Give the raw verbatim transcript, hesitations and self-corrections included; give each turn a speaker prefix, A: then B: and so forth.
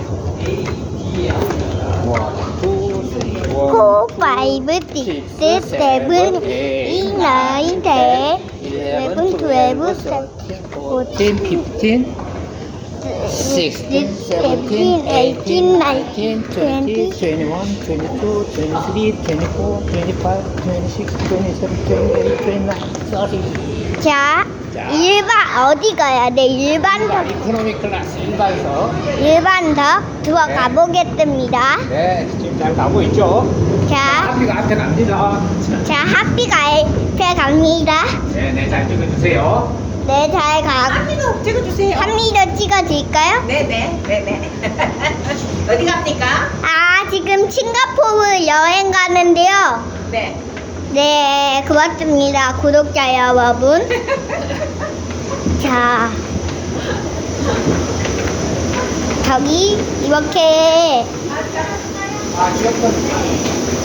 A: 원, 투, 쓰리, 원,
B: 포, 파이브, 식스, 세븐, 에잇, 나인, 텐, 일레븐, 트웰브, 서틴,
A: fourteen, fifteen, sixteen, seventeen, eighteen, nineteen, twenty, twenty-one, twenty-two, twenty-three, twenty-four, twenty-five, twenty-six, twenty-seven, twenty-eight, twenty-nine, thirty.
B: 자,
A: 자.
B: 일반 어디 가야 돼? 일반석,
A: 이코노미 클래스 일반석.
B: 일반석 들어가
A: 네.
B: 보겠습니다.
A: 네, 지금 잘 가고 있죠?
B: 자,
A: 앞이가 앞에 갑니다.
B: 자, 학비가 앞에 갑니다.
A: 네, 네, 잘 찍어주세요.
B: 네, 잘 가.
C: 한미도 찍어주세요.
B: 합니다. 찍어줄까요?
C: 네네 네네. 어디 갑니까?
B: 아, 지금 싱가포르 여행 가는데요.
C: 네.
B: 네, 고맙습니다. 구독자 여러분. 자, 저기 이렇게
A: 아, 귀엽다.